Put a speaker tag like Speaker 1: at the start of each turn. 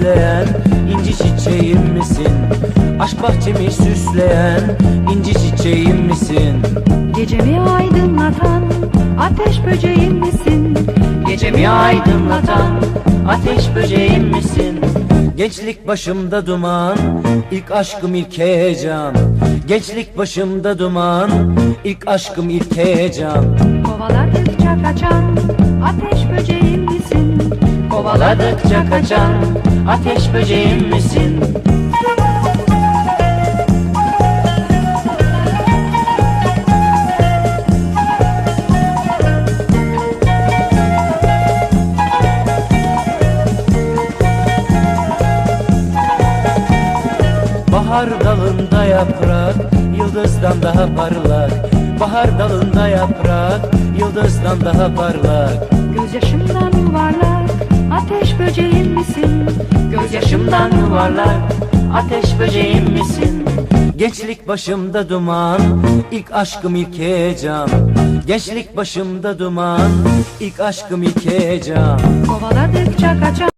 Speaker 1: süsleyen inci çiçeğim misin? Aşk bahçemi süsleyen inci çiçeğim misin?
Speaker 2: Gecemi aydınlatan ateş böceğim misin?
Speaker 1: Gecemi aydınlatan ateş böceğim misin? Gençlik başımda duman, ilk aşkım ilk heyecan. Gençlik başımda duman, ilk aşkım ilk heyecan.
Speaker 2: Kovaladıkça kaçan ateş böceğim misin?
Speaker 1: Kovaladıkça kaçan ateş böceğim misin? Bahar dalında yaprak, yıldızdan daha parlak. Bahar dalında yaprak, yıldızdan daha parlak.
Speaker 2: Gözyaşımdan yuvarlak ateş böceğim misin?
Speaker 1: Gözyaşımdan yuvarlak, ateş böceğim misin? Gençlik başımda duman, ilk aşkım ilk heyecan. Gençlik başımda duman, ilk aşkım ilk heyecan.
Speaker 2: Kovaladıkça kaçan